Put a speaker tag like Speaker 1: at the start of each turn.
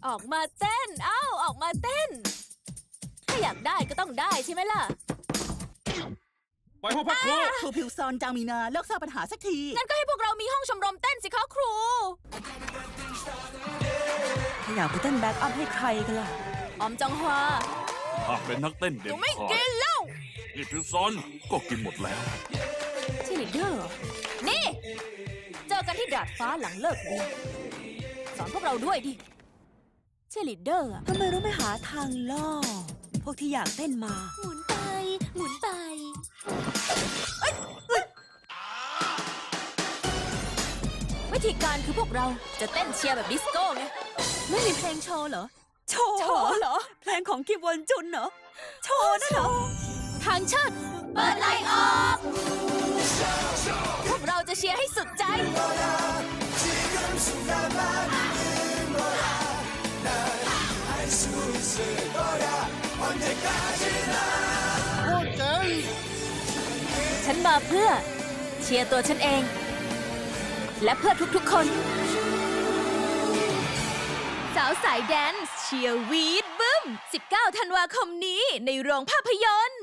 Speaker 1: ออกมาเต้นออกมาเต้นถ้าอยากได้ก็ต้องได้ใช่ไหมล่ะ
Speaker 2: ไปห้องพักครู
Speaker 3: ครูพิวซอนจางมีนาเลิกสร้างปัญหาสักที
Speaker 1: งั้นก็ให้พวกเรามีห้องชมรมเต้นสิคะครู
Speaker 4: ถ้าอยากไปเต้นแบ็กอัพให้ใครกันล่ะ
Speaker 1: ออมจองฮวา
Speaker 2: หากเป็นนักเต้น
Speaker 1: ห
Speaker 2: เด่
Speaker 1: นู
Speaker 2: น
Speaker 1: ไม่
Speaker 2: ขา
Speaker 1: กิ
Speaker 2: ด
Speaker 1: นแล้ว
Speaker 2: นี่พิวซอนก็กินหมดแล้ว
Speaker 1: เชียร์ลีดเดอร์เหรอนี่ เจอกันที่ดาดฟ้าหลังเลิกเรียนสอนพวกเราด้วยดิ เชียร์ลีดเดอร์อะ
Speaker 4: ทำไมเราไม่หาทางล่อ พวกที่อยากเต้นมา
Speaker 1: หมุนไป หมุนไปวิธีการคือพวกเราจะเต้นเชียร์แบบดิสโก้ไง ไม่มีเพลงโชว์เหรอ
Speaker 4: โชว์เหรอ เพลงของคิมวอนจุนเหรอ โชว์นั่นเหรอ
Speaker 1: ทางเชิดเปิดไลน์ออกพวกเราจะเชียร์ให้สุดใจ ฉันมาเพื่อเชียร์ตัวฉันเอง และเพื่อทุกๆคน สาวสายแดนซ์เชียร์วีดบึ้ม 19 ธันวาคมนี้ในโรงภาพยนตร์